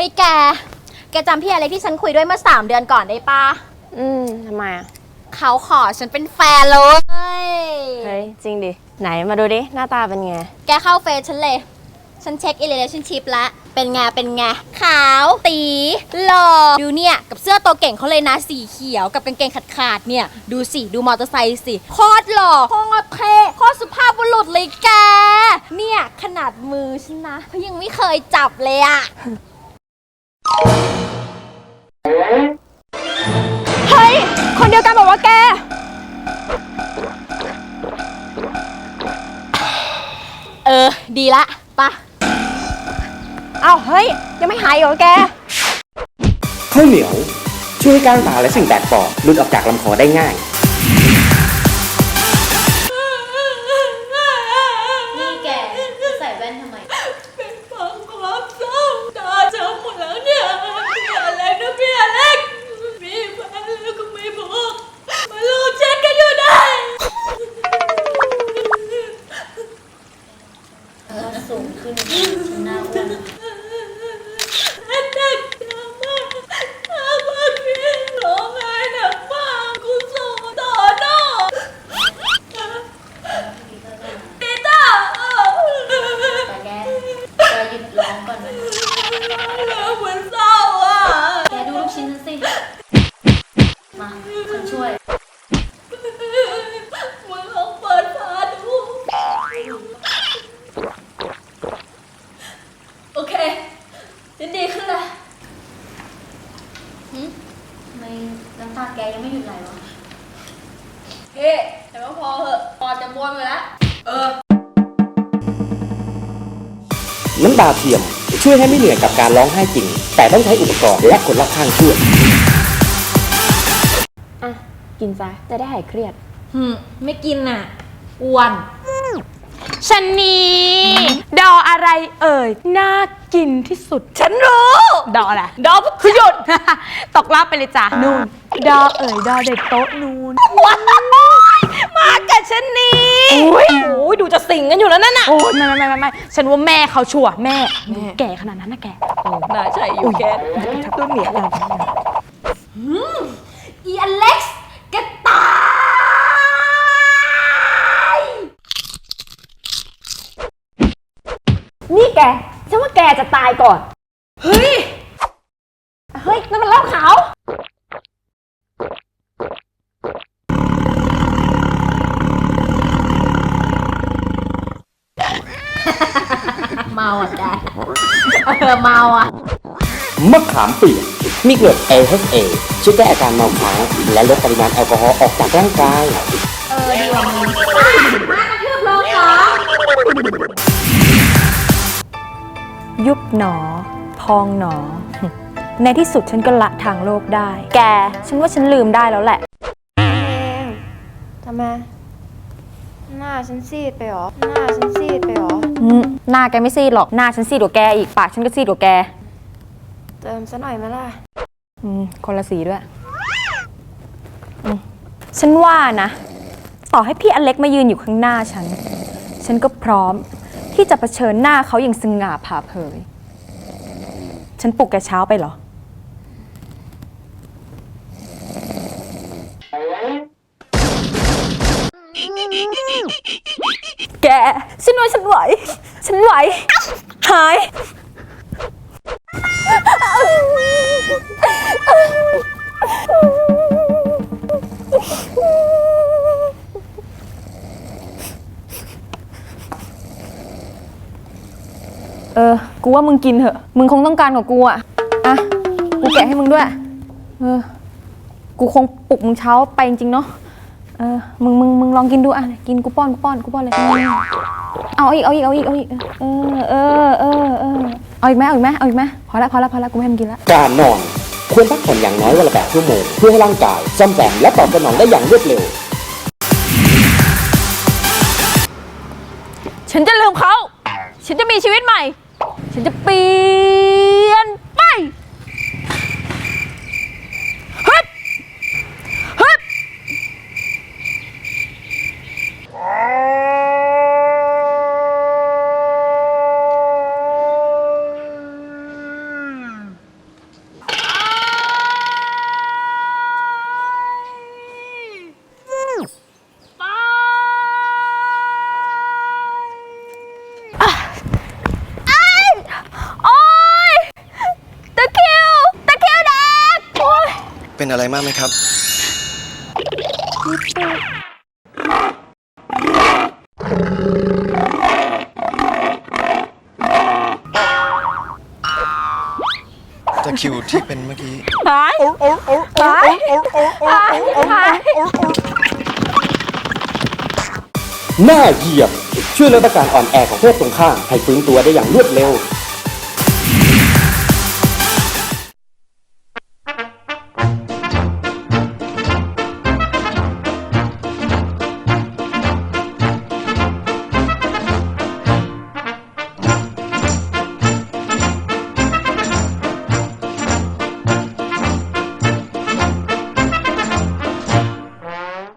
แกจำพี่อะไรที่ฉันคุยด้วยเมื่อ3 เดือนก่อนได้ปะทำไมอ่ะเขาขอฉันเป็นแฟนเลยเฮ้ยจริงดิไหนมาดูดิหน้าตาเป็นไงแกเข้าเฟซฉันเลย ฉันเช็ค relationship แล้วเป็นไงขาวตีหล่อดูเนี่ยกับเสื้อตัวเก่งเขาเลยนะสีเขียวกับกางเกงขาดเนี่ยดูสิดูมอเตอร์ไซค์สิโคตรหล่อโคตรเท่โคตรสุภาพบุรุษเลยแกเนี่ยขนาดมือฉันนะเขายังไม่เคยจับเลยอะเฮ้ยคนเดียวกันบอกว่าแกดีละปะอ้าวเฮ้ยยังไม่หายเหรอแกข้าวเหนียวช่วยให้ก้างตาและสิ่งแปลกปลอมหลุดออกจากลำคอได้ง่ายนี่แกใส่แว่นทำไมเป็นความเศร้าตาช้ำหมดแล้วเนี่ยพี่อเล็กมีแฟนแล้วก็ไม่บอกมาลูบเช็ดกันอยู่ได้สูงขึ้นฉันน่าอ้วนหนักมากถ้าว่าพี่ร้องไห้หนักมากกูส่งต่อหน้าปีเตอร์แต่แกหยุดร้องก่อนนะเหมือนเศร้าอ่ะแกดูลูกชิ้นฉันสิมาฉันช่วยมึงลองเปิดฝาดูโอเคฉันดีขึ้นแล้วทำไมน้ำตาแกยังไม่หยุดไหลวะเฮ้แต่ว่าพอเหอะพอจะบวมไปแล้วน้ำตาเทียมช่วยให้ไม่เหนื่อยกับการร้องไห้จริงแต่ต้องใช้อุปกรณ์และคนรอบข้างช่วยอ่ะกินซะจะได้หายเครียดไม่กินน่ะอ้วนชันนี้ดออะไรเอ่ยน่ากินที่สุดฉันรู้ดออะไรดอคือหยุดตกลับไปเลยจ้ะนู่นดอเอ่ยดอเด็กโต๊ะนู่นว้าวมากับชันนี้โอ้ยดูจะสิงกันอยู่แล้วนั่นน่ะโอ้ยไม่ฉันว่าแม่เขาชัวร์แม่แก่ขนาดนั้นนะแกน่าใช่อยู่แกต้นเหนียวอีอเล็กซ์แกตายนี่แกฉันว่าแกจะตายก่อนเฮ้ยนั่นมันเหล้าขาวเมาอ่ะแกเมาอ่ะมะขามเปียกมีเกล็ด AHA ช่วยแก้อาการเมาค้างและลดปริมาณแอลกอฮอล์ออกจากร่างกายดีกว่ามึงมากระทืบลงเหรอยุบหนอพองหนอในที่สุดฉันก็ละทางโลกได้แกฉันว่าฉันลืมได้แล้วแหละทำไมหน้าฉันซีดไปหรอหน้าแกไม่ซีดหรอกหน้าฉันซีดกว่าแกอีกปากฉันก็ซีดกว่าแกเติมซะหน่อยไหมล่ะคนละสีด้วยฉันว่านะต่อให้พี่อเล็กมายืนอยู่ข้างหน้าฉันก็พร้อมที่จะเผชิญหน้าเขาอย่างสง่าผ่าเผยฉันปลุกแกเช้าไปเหรอแกฉันไหวหายกูว่ามึงกินเถอะมึงคงต้องการกว่ากูอ่ะกูแกะให้มึงด้วยกูคงปลุกมึงเช้าไปจริงๆเนาะมึงลองกินดูอ่ะกินกูป้อนเลยเอาอีกเอาอีกเอาอีกอีกไหมพอละกูไม่ให้มึงกินละการนอนควรพักผ่อนอย่างน้อยวันละ8 ชั่วโมงเพื่อให้ร่างกายซ่อมแซมและตอบสนองได้อย่างรวดเร็วฉันจะลืมเขาฉันจะมีชีวิตใหม่ฉันจะเปลี่ยนไปเป็นอะไรมากไหมครับ ตะคริวที่เป็นเมื่อกี้หายหายหายหน้าเหยียบช่วยลดอาการอ่อนแอของเพศตรงข้ามให้ฟื้นตัวได้อย่างรวดเร็ว